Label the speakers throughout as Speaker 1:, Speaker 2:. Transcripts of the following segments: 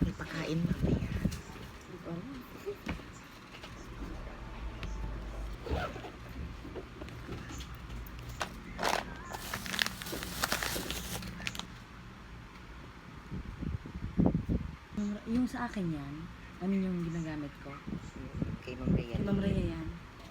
Speaker 1: May pakain mamaya.
Speaker 2: Yung sa akin yan, yung ginagamit ko.
Speaker 1: Kay Ma'am Rhea.
Speaker 2: Kay Ma'am Rhea yan.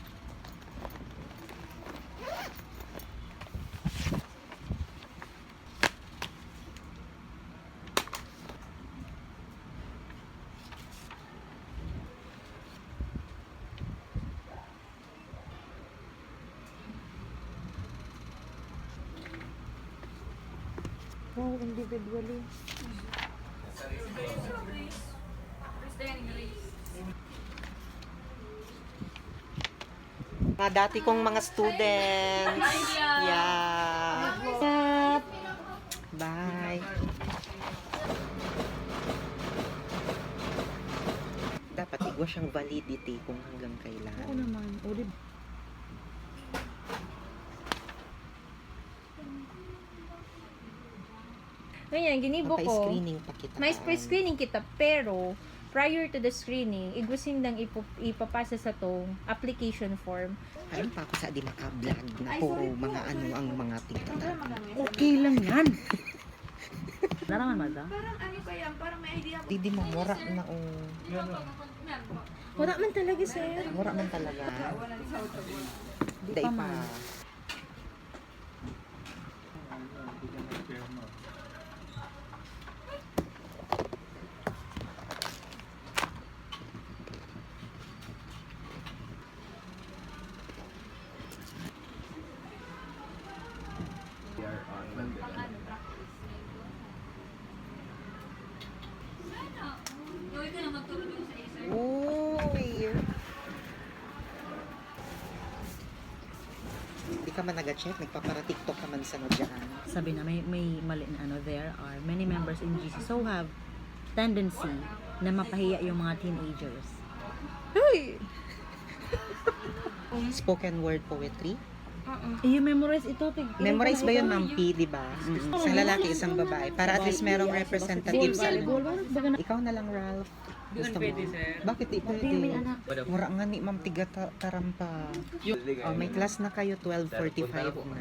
Speaker 1: Wow, individually. Mga dati kong mga students. Yeah. Bye. Dapat igwa siyang validity kung hanggang kailan.
Speaker 2: Oo naman. O, di
Speaker 3: Ngayon, ginibo ko,
Speaker 1: Mapa-screening pa kita.
Speaker 3: may screening kita, pero prior to the screening, igusin lang ipapasa sa tong application form.
Speaker 1: Karon pa ako sa di maka-vlog na puro mga ano ang mga tingkatan.
Speaker 2: okay lang yan. Narangan mo da?
Speaker 4: Parang ano kaya, parang may idea ko.
Speaker 1: Di mo mura na o.
Speaker 3: Wala man talaga, sir.
Speaker 1: Mura man talaga. Di
Speaker 2: pa
Speaker 1: pa.
Speaker 2: man.
Speaker 1: Uy. Di ka man nag-check, nagpapara-tiktok ka man sa no dyan.
Speaker 2: Sabi na may mali na ano, there are many members in GC so have tendency na mapahiya yung mga teenagers.
Speaker 1: Spoken word poetry.
Speaker 2: I-memorize ito.
Speaker 1: Memorize ba yun, Ma'am P, di ba? Isang lalaki, isang babae. Para at least merong representative sa ano. Ikaw na lang, Ralph. Gusto mo? Bakit di pwede? Mura nga ni Ma'am Tiga Tarampa. Oh, may class na kayo, 12:45 na.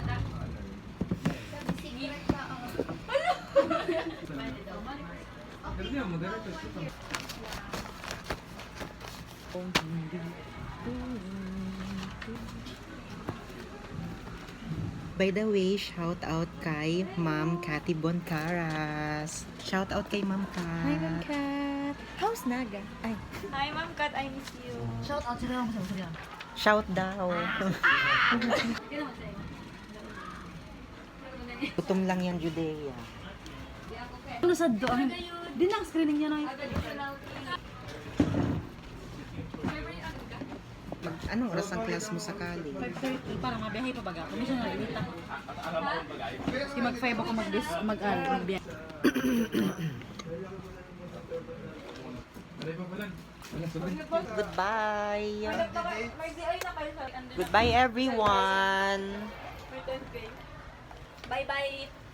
Speaker 1: By the way, shout out kay Ma'am Cathy Boncaras. Shout out kay Ma'am Kat.
Speaker 3: Hi, Ma'am Kat. How's Naga? Ay.
Speaker 4: Hi, Ma'am Kat, I miss you.
Speaker 2: Shout out sila lang sa sila.
Speaker 1: Shout daw. Gutom lang yan, Judea.
Speaker 2: Ano sa doon? Di na ang screening niya na
Speaker 1: Anong oras ang class mo sa college?
Speaker 2: 5:30 para mabiyahe pa baga. Kung siya nalilita. Kasi mag-5 ako magbiyahe.
Speaker 1: Goodbye.
Speaker 4: May DI na kayo sa
Speaker 1: Goodbye, everyone.
Speaker 4: May 10K. Bye-bye.